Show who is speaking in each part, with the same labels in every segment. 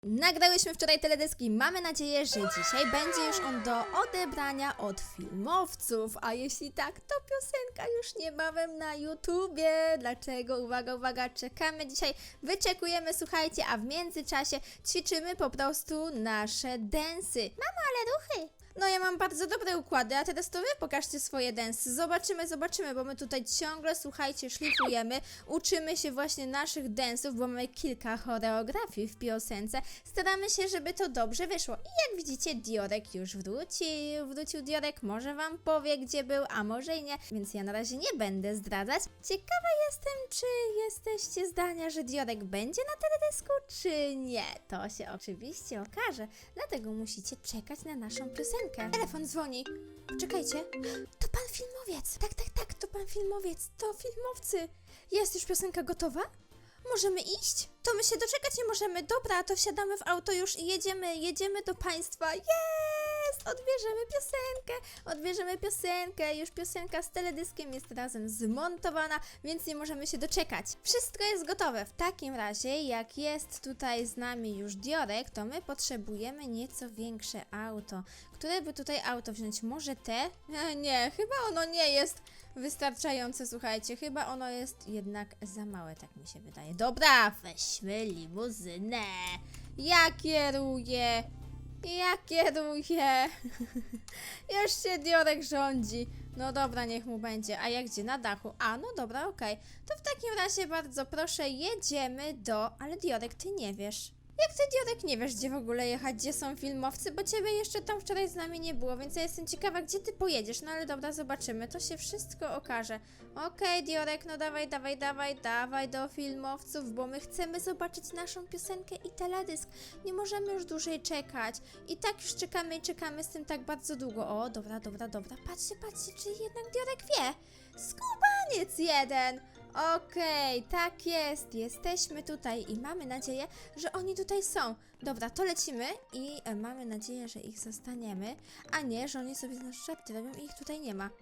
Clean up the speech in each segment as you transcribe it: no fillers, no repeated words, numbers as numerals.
Speaker 1: Nagrałyśmy wczoraj teledyski. Mamy nadzieję, że dzisiaj będzie już on do odebrania od filmowców. A jeśli tak, to piosenka już niebawem na YouTubie. Dlaczego? Uwaga, uwaga, czekamy dzisiaj, wyczekujemy, słuchajcie, a w międzyczasie ćwiczymy po prostu nasze densy. Mamo, ale ruchy! No ja mam bardzo dobre układy, a teraz to wy pokażcie swoje densy. Zobaczymy, bo my tutaj ciągle, słuchajcie, szlifujemy, uczymy się właśnie naszych densów, bo mamy kilka choreografii w piosence. Staramy się, żeby to dobrze wyszło. I jak widzicie, Diorek już wrócił Diorek, może wam powie, gdzie był, a może i nie, więc ja na razie nie będę zdradzać. Ciekawa jestem, czy jesteście zdania, że Diorek będzie na teledysku, czy nie. To się oczywiście okaże, dlatego musicie czekać na naszą piosenkę. Telefon dzwoni. Czekajcie. To pan filmowiec. Tak, to pan filmowiec. To filmowcy. Jest już piosenka gotowa? Możemy iść? To my się doczekać nie możemy. Dobra, to wsiadamy w auto już i jedziemy do państwa. Jest! Odbierzemy piosenkę. Już piosenka z teledyskiem jest razem zmontowana, więc nie możemy się doczekać. Wszystko jest gotowe. W takim razie, jak jest tutaj z nami już Diorek, to my potrzebujemy nieco większe auto. Które by tutaj auto wziąć? Może te? Nie, chyba ono nie jest wystarczające, słuchajcie. Chyba ono jest jednak za małe, tak mi się wydaje. Dobra, weźmy limuzynę. Ja kieruję. Już się Diorek rządzi. No dobra, niech mu będzie. A jak gdzie? Na dachu. A, no dobra, okej. To w takim razie bardzo proszę, jedziemy do... Ale Diorek, ty nie wiesz. Jak ty, Diorek, nie wiesz, gdzie w ogóle jechać, gdzie są filmowcy, bo ciebie jeszcze tam wczoraj z nami nie było, więc ja jestem ciekawa, gdzie ty pojedziesz. No ale dobra, zobaczymy, to się wszystko okaże. Okej, Diorek, no dawaj do filmowców, bo my chcemy zobaczyć naszą piosenkę i teledysk. Nie możemy już dłużej czekać. I tak już czekamy z tym tak bardzo długo. O, dobra. Patrzcie, czy jednak Diorek wie. Skubaniec jeden. Okej, tak jest. Jesteśmy tutaj i mamy nadzieję, że oni tutaj są. Dobra, to lecimy i mamy nadzieję, że ich zastaniemy, a nie, że oni sobie z nas żarty robią i ich tutaj nie ma.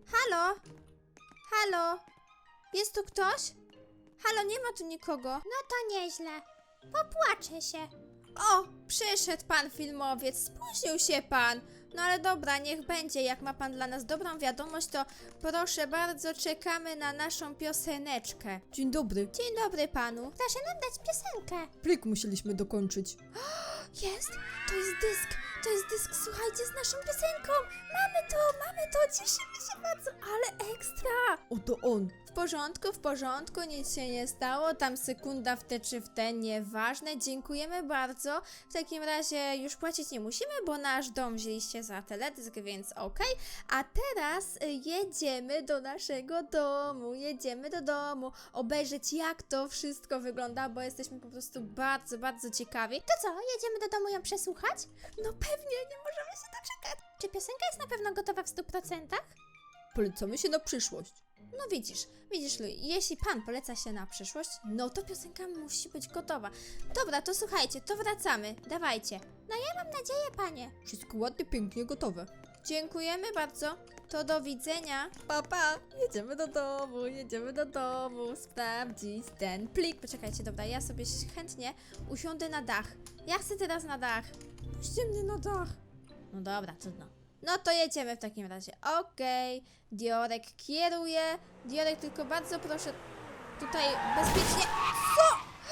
Speaker 1: Halo? Jest tu ktoś? Halo, nie ma tu nikogo.
Speaker 2: No to nieźle. Popłaczę się.
Speaker 1: O, przyszedł pan filmowiec, spóźnił się pan. No ale dobra, niech będzie, jak ma pan dla nas dobrą wiadomość, to proszę bardzo, czekamy na naszą pioseneczkę.
Speaker 3: Dzień dobry.
Speaker 1: Dzień dobry panu.
Speaker 2: Proszę nam dać piosenkę.
Speaker 3: Plik musieliśmy dokończyć.
Speaker 1: Jest, to jest dysk, słuchajcie, z naszą piosenką. Mamy to, cieszymy się bardzo, ale ekstra.
Speaker 3: Oto on.
Speaker 1: W porządku, nic się nie stało, tam sekunda w te czy w te, nieważne, dziękujemy bardzo. W takim razie już płacić nie musimy, bo nasz dom wzięliście za teledysk, więc okej. A teraz jedziemy do naszego domu, obejrzeć jak to wszystko wygląda, bo jesteśmy po prostu bardzo ciekawi.
Speaker 2: To co, jedziemy do domu ją przesłuchać?
Speaker 1: No pewnie, nie możemy się doczekać.
Speaker 2: Czy piosenka jest na pewno gotowa w 100%?
Speaker 3: Polecamy się na przyszłość.
Speaker 1: No widzisz, Louis, jeśli pan poleca się na przyszłość, no to piosenka musi być gotowa. Dobra, to słuchajcie, to wracamy, dawajcie.
Speaker 2: No ja mam nadzieję, panie.
Speaker 3: Wszystko ładnie, pięknie, gotowe.
Speaker 1: Dziękujemy bardzo, to do widzenia. Pa, jedziemy do domu, sprawdzić ten plik. Poczekajcie, dobra, ja sobie chętnie usiądę na dach. Ja chcę teraz na dach. Puśćcie mnie na dach. No dobra, trudno. No to jedziemy w takim razie. Okej, Diorek kieruje. Diorek, tylko bardzo proszę tutaj bezpiecznie. Co?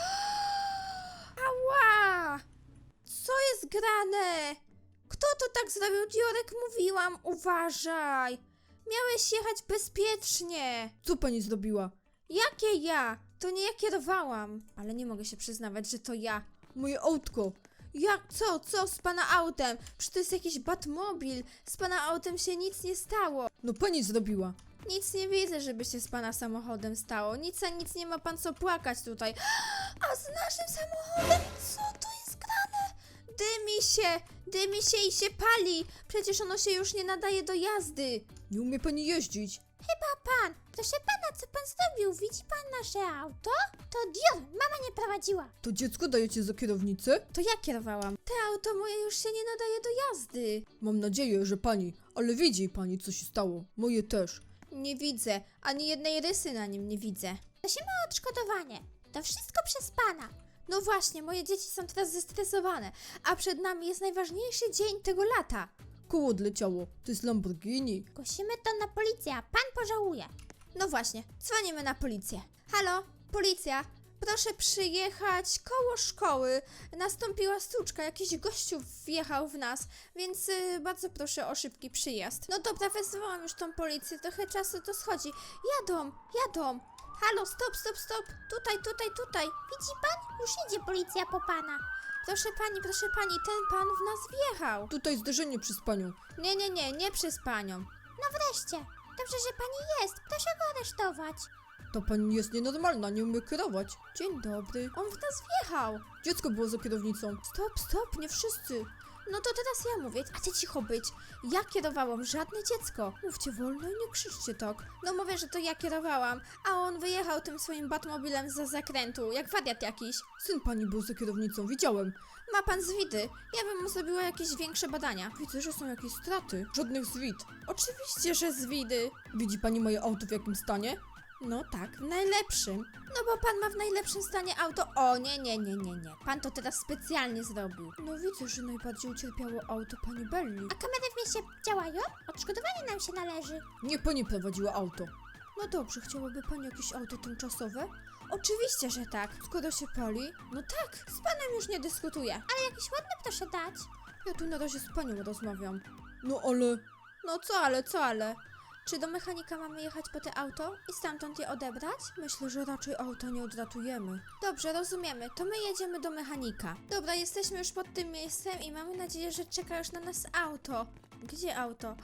Speaker 1: Ała! Co jest grane? Kto to tak zrobił? Diorek, mówiłam, uważaj. Miałeś jechać bezpiecznie.
Speaker 3: Co pani zrobiła?
Speaker 1: Jakie ja? To nie ja kierowałam. Ale nie mogę się przyznawać, że to ja.
Speaker 3: Moje autko.
Speaker 1: Jak? Co z pana autem? Przecież to jest jakiś Batmobil. Z pana autem się nic nie stało.
Speaker 3: No pani zrobiła.
Speaker 1: Nic nie widzę, żeby się z pana samochodem stało. Nic nie ma pan co płakać tutaj. A z naszym samochodem? Co to jest grane? Dymi się i się pali. Przecież ono się już nie nadaje do jazdy.
Speaker 3: Nie umie pani jeździć.
Speaker 2: Chyba pan. Proszę pana, co pan zrobił? Widzi pan nasze auto? To Dior, mama nie prowadziła.
Speaker 3: To dziecko dajecie za kierownicę?
Speaker 1: To ja kierowałam. Te auto moje już się nie nadaje do jazdy.
Speaker 3: Mam nadzieję, że pani. Ale widzi pani, co się stało. Moje też.
Speaker 1: Nie widzę. Ani jednej rysy na nim nie widzę.
Speaker 2: Prosimy o odszkodowanie. To wszystko przez pana.
Speaker 1: No właśnie, moje dzieci są teraz zestresowane, a przed nami jest najważniejszy dzień tego lata.
Speaker 3: Koło odleciało. To jest Lamborghini.
Speaker 2: Zgłosimy to na policję, a pan pożałuje.
Speaker 1: No właśnie, dzwonimy na policję. Halo, policja, proszę przyjechać koło szkoły. Nastąpiła stłuczka, jakiś gościu wjechał w nas, więc bardzo proszę o szybki przyjazd. No dobra, wezwałam już tą policję, trochę czasu to schodzi. Jadą. Halo, stop. Tutaj.
Speaker 2: Widzi pan? Już idzie policja po pana.
Speaker 1: Proszę pani, ten pan w nas wjechał.
Speaker 3: Tutaj zderzenie przez panią.
Speaker 1: Nie przez panią.
Speaker 2: No wreszcie. Dobrze, że pani jest. Proszę go aresztować.
Speaker 3: Ta pani jest nienormalna, nie umie kierować.
Speaker 1: Dzień dobry. On w nas wjechał.
Speaker 3: Dziecko było za kierownicą.
Speaker 1: Stop, nie wszyscy. No to teraz ja mówię, a ty cicho być. Ja kierowałam, żadne dziecko. Mówcie wolno i nie krzyczcie tak. No mówię, że to ja kierowałam, a on wyjechał tym swoim Batmobilem za zakrętu, jak wariat jakiś.
Speaker 3: Syn pani był za kierownicą, widziałem.
Speaker 1: Ma pan zwidy. Ja bym mu zrobiła jakieś większe badania.
Speaker 3: Widzę, że są jakieś straty. Żadnych zwit.
Speaker 1: Oczywiście, że zwidy.
Speaker 3: Widzi pani moje auto w jakim stanie?
Speaker 1: No tak, w najlepszym. No bo pan ma w najlepszym stanie auto. O, nie. Pan to teraz specjalnie zrobił.
Speaker 3: No widzę, że najbardziej ucierpiało auto pani Belli.
Speaker 2: A kamery w mieście działają? Odszkodowanie nam się należy.
Speaker 3: Nie pani prowadziła auto.
Speaker 1: No dobrze, chciałaby pani jakieś auto tymczasowe? Oczywiście, że tak.
Speaker 3: Skoro się pali,
Speaker 1: No tak, z panem już nie dyskutuję.
Speaker 2: Ale jakieś ładne proszę dać.
Speaker 3: ja tu na razie z panią rozmawiam. No ale...
Speaker 1: No co ale? Czy do mechanika mamy jechać po te auto i stamtąd je odebrać?
Speaker 3: Myślę, że raczej auta nie odratujemy.
Speaker 1: Dobrze, rozumiemy. To my jedziemy do mechanika. Dobra, jesteśmy już pod tym miejscem i mamy nadzieję, że czeka już na nas auto. Gdzie auto?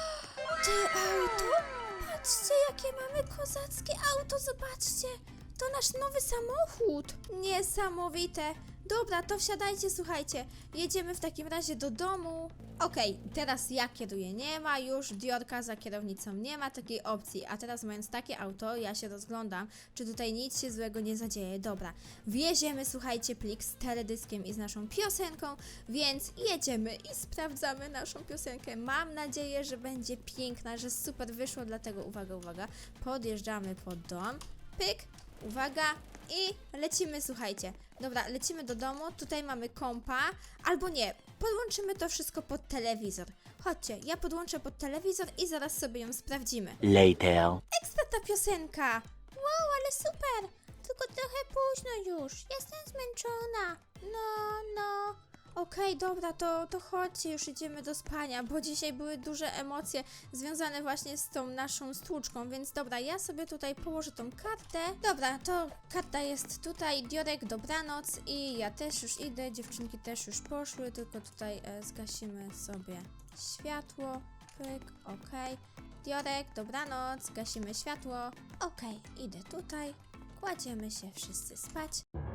Speaker 1: Te auto? Patrzcie, jakie mamy kozackie auto, zobaczcie. To nasz nowy samochód. Niesamowite. Dobra, to wsiadajcie, słuchajcie. Jedziemy w takim razie do domu. Okej, teraz ja kieruję. Nie ma już Diorka za kierownicą. Nie ma takiej opcji. A teraz mając takie auto, ja się rozglądam, czy tutaj nic się złego nie zadzieje. Dobra, wieziemy, słuchajcie, plik z teledyskiem i z naszą piosenką, więc jedziemy i sprawdzamy naszą piosenkę. Mam nadzieję, że będzie piękna, że super wyszło, dlatego uwaga, podjeżdżamy pod dom. Pyk, uwaga i lecimy, słuchajcie. Dobra, lecimy do domu, tutaj mamy kompa, albo nie, podłączymy to wszystko pod telewizor. Chodźcie, ja podłączę pod telewizor i zaraz sobie ją sprawdzimy.
Speaker 4: Later.
Speaker 1: Ekstra ta piosenka!
Speaker 2: Wow, ale super. Tylko trochę późno już. Jestem zmęczona. No.
Speaker 1: Okej, dobra, to chodźcie, już idziemy do spania, bo dzisiaj były duże emocje związane właśnie z tą naszą stłuczką, więc dobra, ja sobie tutaj położę tą kartę. Dobra, to karta jest tutaj, Diorek, dobranoc i ja też już idę, dziewczynki też już poszły, tylko tutaj zgasimy sobie światło, pyk, okej. Diorek, dobranoc, gasimy światło, okej, idę tutaj, kładziemy się wszyscy spać.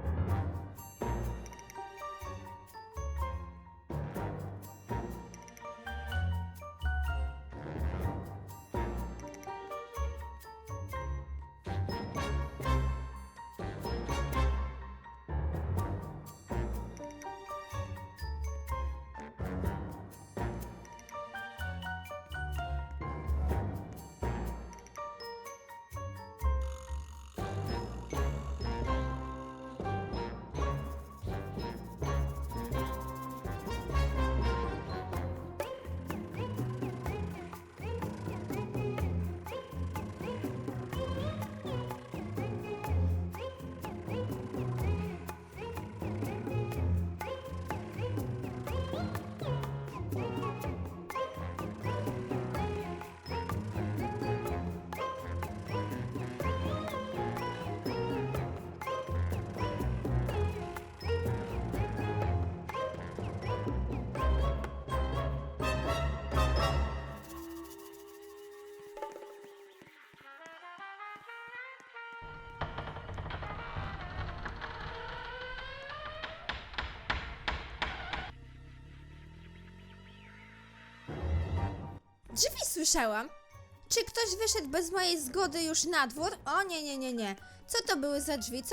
Speaker 1: Drzwi słyszałam. Czy ktoś wyszedł bez mojej zgody już na dwór? O nie. Co to były za drzwi?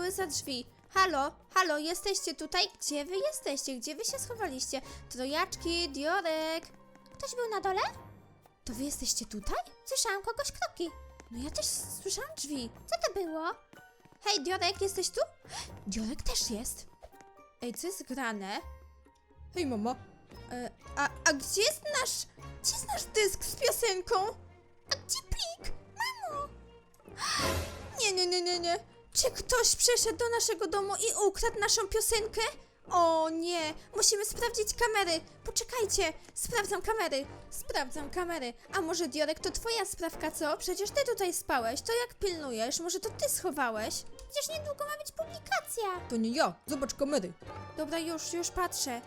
Speaker 1: Halo, jesteście tutaj? Gdzie wy jesteście? Gdzie wy się schowaliście? Trojaczki, Diorek.
Speaker 2: Ktoś był na dole?
Speaker 1: To wy jesteście tutaj?
Speaker 2: Słyszałam kogoś kroki.
Speaker 1: No ja też słyszałam drzwi.
Speaker 2: Co to było?
Speaker 1: Hej, Diorek, jesteś tu? Diorek też jest. Ej, co jest grane?
Speaker 3: Hej, mama.
Speaker 1: A gdzie jest nasz dysk z piosenką? A gdzie plik? Mamo! Nie. Czy ktoś przeszedł do naszego domu i ukradł naszą piosenkę? O nie, musimy sprawdzić kamery. Poczekajcie, sprawdzam kamery. A może Diorek to twoja sprawka, co? Przecież ty tutaj spałeś, to jak pilnujesz? Może to ty schowałeś?
Speaker 2: Przecież niedługo ma być publikacja.
Speaker 3: To nie ja. Zobacz kamery.
Speaker 1: Dobra, już patrzę.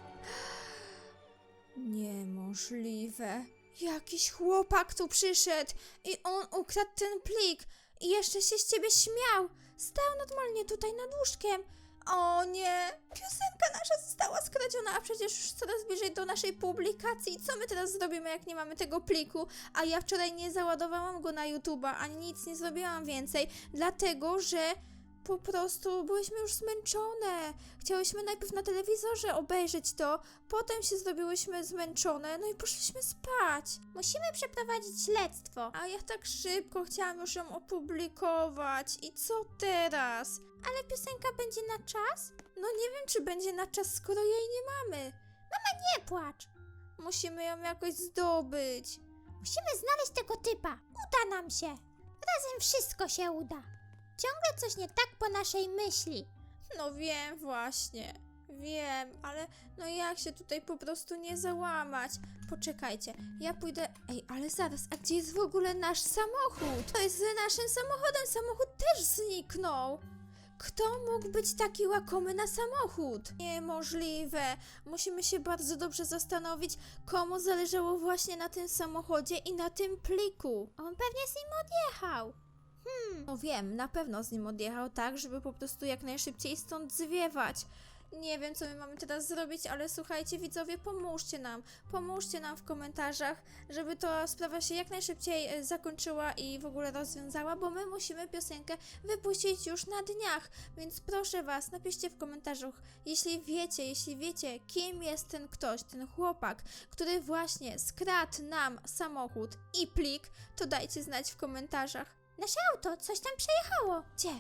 Speaker 1: Niemożliwe. Jakiś chłopak tu przyszedł i on ukradł ten plik i jeszcze się z ciebie śmiał. Stał normalnie tutaj nad łóżkiem. O nie, piosenka nasza została skradziona, a przecież już coraz bliżej do naszej publikacji. Co my teraz zrobimy, jak nie mamy tego pliku? A ja wczoraj nie załadowałam go na YouTube'a, ani nic nie zrobiłam więcej, dlatego że po prostu byłyśmy już zmęczone. Chciałyśmy najpierw na telewizorze obejrzeć to, potem się zrobiłyśmy zmęczone, no i poszliśmy spać.
Speaker 2: Musimy przeprowadzić śledztwo.
Speaker 1: A ja tak szybko chciałam już ją opublikować. I co teraz?
Speaker 2: Ale piosenka będzie na czas?
Speaker 1: No nie wiem, czy będzie na czas, skoro jej nie mamy.
Speaker 2: Nie płacz.
Speaker 1: Musimy ją jakoś zdobyć.
Speaker 2: Musimy znaleźć tego typa. Uda nam się. Razem wszystko się uda. Ciągle coś nie tak po naszej myśli.
Speaker 1: No wiem właśnie. Wiem, ale no jak się tutaj po prostu nie załamać? Poczekajcie, ja pójdę... Ej, ale zaraz, a gdzie jest w ogóle nasz samochód? To jest z naszym samochodem, samochód też zniknął. Kto mógł być taki łakomy na samochód? Niemożliwe. Musimy się bardzo dobrze zastanowić, komu zależało właśnie na tym samochodzie i na tym pliku.
Speaker 2: On pewnie z nim odjechał.
Speaker 1: No wiem, na pewno z nim odjechał tak, żeby po prostu jak najszybciej stąd zwiewać. Nie wiem, co my mamy teraz zrobić, ale słuchajcie, widzowie, pomóżcie nam w komentarzach, żeby ta sprawa się jak najszybciej zakończyła i w ogóle rozwiązała, bo my musimy piosenkę wypuścić już na dniach, więc proszę was, napiszcie w komentarzach, jeśli wiecie, kim jest ten ktoś, ten chłopak, który właśnie skradł nam samochód i plik, to dajcie znać w komentarzach.
Speaker 2: Nasze auto, coś tam przejechało.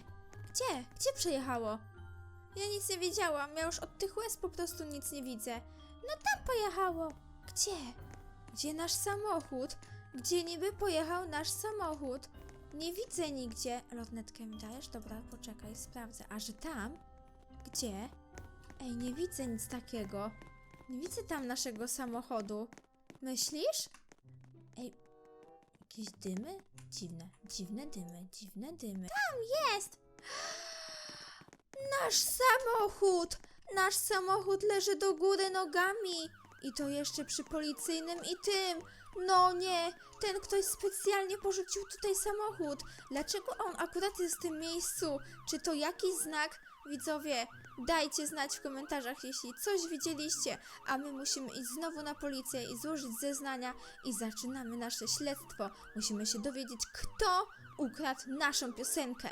Speaker 1: Gdzie przejechało? Ja nic nie wiedziałam, ja już od tych łez po prostu nic nie widzę.
Speaker 2: Tam pojechało.
Speaker 1: Gdzie nasz samochód? Gdzie niby pojechał nasz samochód? Nie widzę nigdzie. Lornetkę mi dajesz? Dobra, poczekaj, sprawdzę. A że tam? Gdzie? Ej, nie widzę nic takiego. Nie widzę tam naszego samochodu. Myślisz? Ej, jakieś dymy? Dziwne dymy.
Speaker 2: Jest.
Speaker 1: Nasz samochód! Nasz samochód leży do góry nogami! I to jeszcze przy policyjnym i tym! No nie! Ten ktoś specjalnie porzucił tutaj samochód! Dlaczego on akurat jest w tym miejscu? Czy to jakiś znak? Widzowie, dajcie znać w komentarzach, jeśli coś widzieliście, a my musimy iść znowu na policję i złożyć zeznania i zaczynamy nasze śledztwo. Musimy się dowiedzieć, kto ukradł naszą piosenkę.